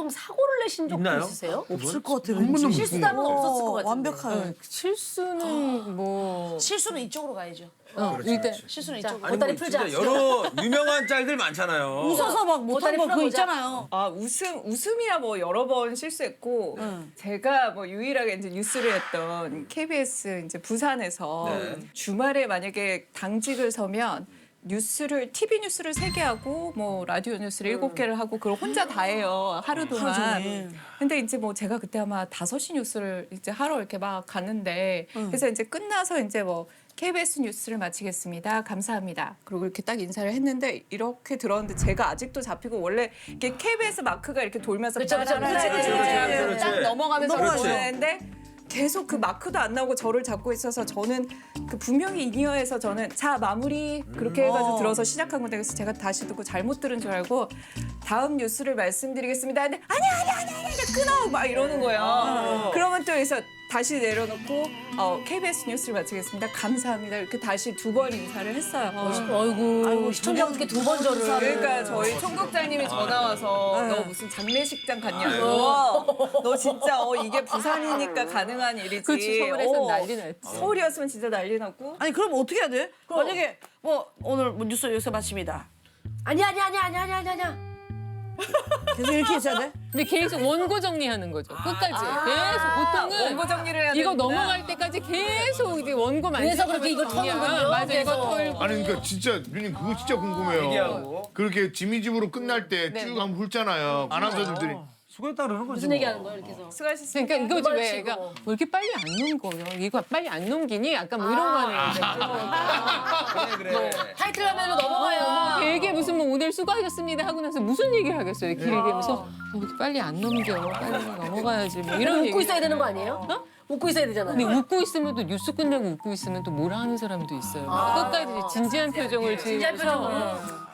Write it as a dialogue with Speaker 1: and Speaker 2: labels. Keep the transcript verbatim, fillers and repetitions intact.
Speaker 1: 나름 사고를 내신 적도
Speaker 2: 있나요?
Speaker 1: 있으세요?
Speaker 3: 없을 것 같아.
Speaker 2: 한 번도 못
Speaker 1: 실수담은 없었을 것 같은데.
Speaker 3: 완벽한.
Speaker 4: 실수는 뭐
Speaker 5: 실수는 이쪽으로 가야죠.
Speaker 4: 어, 일단
Speaker 5: 실수는
Speaker 1: 자,
Speaker 5: 이쪽으로.
Speaker 2: 아니
Speaker 1: 보따리
Speaker 2: 뭐
Speaker 1: 풀자.
Speaker 2: 진짜 여러 유명한 짤들 많잖아요.
Speaker 3: 웃어서 막 못한
Speaker 1: 보따리
Speaker 3: 거 그거
Speaker 1: 풀어보자.
Speaker 3: 있잖아요.
Speaker 4: 아 웃음 웃음이야 뭐 여러 번 실수했고 제가 뭐 유일하게 이제 뉴스를 했던 케이비에스 이제 부산에서
Speaker 2: 네.
Speaker 4: 주말에 만약에 당직을 서면 뉴스를 티비 뉴스를 세 개 하고 뭐 라디오 뉴스를 일곱 개를 하고 그걸 혼자 다 해요 하루 동안.
Speaker 3: 종일.
Speaker 4: 근데 이제 뭐 제가 그때 아마 다섯 시 뉴스를 이제 하러 이렇게 막 갔는데 그래서 이제 끝나서 이제 뭐 케이비에스 뉴스를 마치겠습니다. 감사합니다. 그리고 이렇게 딱 인사를 했는데 이렇게 들었는데 제가 아직도 잡히고 원래 이게 케이비에스 마크가 이렇게 돌면서
Speaker 1: 그쵸, 그쵸,
Speaker 4: 빠라라라
Speaker 1: 그쵸, 그쵸,
Speaker 4: 하면서
Speaker 2: 그쵸.
Speaker 4: 딱 넘어가면서
Speaker 2: 그렇지.
Speaker 4: 보는데 계속 그 마크도 안 나오고 저를 잡고 있어서 저는 그 분명히 인이어에서 저는 자 마무리 그렇게 해가지고
Speaker 3: 어.
Speaker 4: 들어서 시작한 건데 그래서 제가 다시 듣고 잘못 들은 줄 알고 다음 뉴스를 말씀드리겠습니다. 근데 아니야 아니야 아니야 아니야 끊어 막 이러는 거예요. 그러면 또 여기서 다시 내려놓고 어, 케이비에스 뉴스를 마치겠습니다. 감사합니다. 이렇게 다시 두 번 인사를 했어요.
Speaker 1: 아이고,
Speaker 3: 아이고,
Speaker 1: 시청자 어떻게 두 번 저를.
Speaker 4: 그러니까 저희 총국장님이 전화 와서 너 무슨 장례식장 갔냐고. 너 진짜 어 이게 부산이니까 가능한 일이지.
Speaker 6: 그렇지, 서울에선
Speaker 4: 어,
Speaker 6: 난리 났지.
Speaker 4: 서울이었으면 진짜 난리 났고.
Speaker 3: 아니 그럼 어떻게 해야 돼? 만약에 뭐 오늘 뭐 뉴스 여기서 마칩니다.
Speaker 1: 아니야, 아니야, 아니야, 아니야, 아니야, 아니야, 아니야.
Speaker 3: 계속 이렇게 있어야 돼?
Speaker 6: 근데 계속 원고 정리하는 거죠. 끝까지. 계속 보통은
Speaker 4: 원고 정리를 해야
Speaker 6: 이거
Speaker 4: 되는구나.
Speaker 6: 넘어갈 때까지 계속 이게 원고 만지.
Speaker 1: 그래서 그렇게 이걸 터는군요.
Speaker 6: 맞아, 이거
Speaker 1: 그래서.
Speaker 6: 털고.
Speaker 7: 아니 그러니까 진짜 누님 그거 진짜 궁금해요.
Speaker 2: 얘기하고.
Speaker 7: 그렇게 지미 집으로 끝날 때
Speaker 6: 네,
Speaker 7: 쭉
Speaker 6: 네.
Speaker 7: 한번 훑잖아요. 아나운서들이.
Speaker 2: 수고했다 그러는 거지.
Speaker 1: 무슨
Speaker 2: 뭐.
Speaker 1: 얘기하는 거야, 이렇게 해서.
Speaker 4: 수고하셨습니다.
Speaker 6: 그러니까 이거지 왜?
Speaker 1: 치고.
Speaker 6: 그러니까 왜 이렇게 빨리 안 넘겨요? 이거 빨리 안 넘기니? 약간 뭐 이런 거 하는
Speaker 2: 그래 그래.
Speaker 1: 타이틀 화면으로 넘어가요.
Speaker 6: 되게 무슨 뭐 오늘 수고하셨습니다 하고 나서 무슨 얘기를 하겠어요? 길게 하면서 어, 왜 이렇게 빨리 안 넘겨? 빨리 넘어가야지. 뭐 이런 얘기.
Speaker 1: 웃고 있어야 되는 거 아니에요? 어? 웃고 있어야 되잖아요.
Speaker 6: 근데 웃고 있으면 또 뉴스 끝내고 웃고 있으면 또 뭐라 하는 사람도 있어요. 끝까지 진지한 표정을
Speaker 1: 진지한
Speaker 6: 지으면서
Speaker 1: 표정으로.